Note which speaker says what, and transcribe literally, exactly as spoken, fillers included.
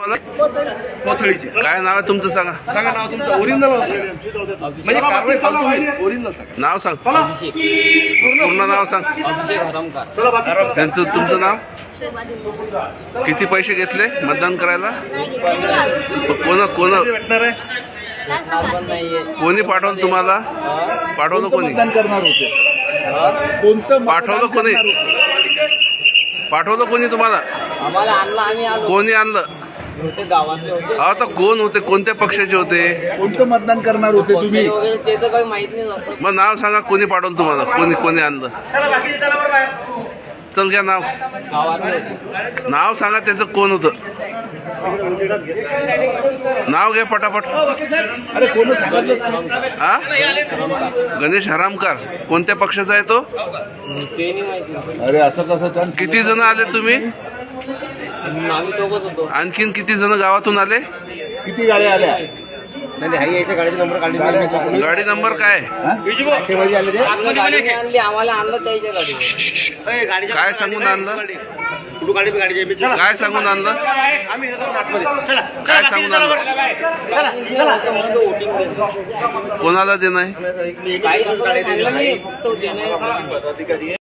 Speaker 1: कोथळीचे काय नाव आहे तुमचं सांगा सांगा नाव तुमचं ओरिजिनल म्हणजे कारवाई फालतू नाही ओरिजिनल सांगा नाव सांग
Speaker 2: अभिषेक
Speaker 1: पूर्ण नाव सांग
Speaker 2: अभिषेक हरमकर
Speaker 1: त्यांचं तुमचं नाव किती पैसे घेतले मतदान करायला कोण कोण कोणी पाठवलं तुम्हाला पाठवलं कोणी
Speaker 3: मतदान करणार होते कोणतं
Speaker 1: पाठवलं कोणी पाठवलं कोणी तुम्हाला
Speaker 2: आम्हाला आणला आम्ही आलो
Speaker 1: कोणी आणलं
Speaker 2: होते गावातले होते
Speaker 1: अहो तर कोण होते कोणत्या पक्षाचे होते
Speaker 3: कोणतं मतदान करणार होते
Speaker 2: पक्ष
Speaker 3: तुम्ही
Speaker 2: वगैरे ते तर काही माहित नाही असं
Speaker 1: मग नाव सांगा कोणी पाठवलं तुम्हाला कोणी कोणी आणलं चल घ्या नाव
Speaker 2: गावातले होते
Speaker 1: नाव सांगा त्याचं कोण होतं नाव घ्या पटापट
Speaker 3: अरे कोण सांगितलं
Speaker 1: हा गणेश हरामकर कोणत्या पक्षाचा आहे तो
Speaker 2: ते नाही माहिती
Speaker 3: अरे असं कसं त्या
Speaker 1: किती जण आले तुम्ही
Speaker 2: आम्ही दोघच होतो
Speaker 1: आणखीन किती जण गावातून आले
Speaker 3: किती गाड्या आल्या
Speaker 1: गाडी नंबर काय
Speaker 2: आम्ही गाडी आणली आम्हाला आणलं त्याच्या गाडी
Speaker 1: काय सांगून आणलं काय सांगून आणलं काय सांगून आणलं
Speaker 2: वोटिंग
Speaker 1: कोणाला देणं आहे
Speaker 2: काही असं काही सांगलं नाही फक्त देणं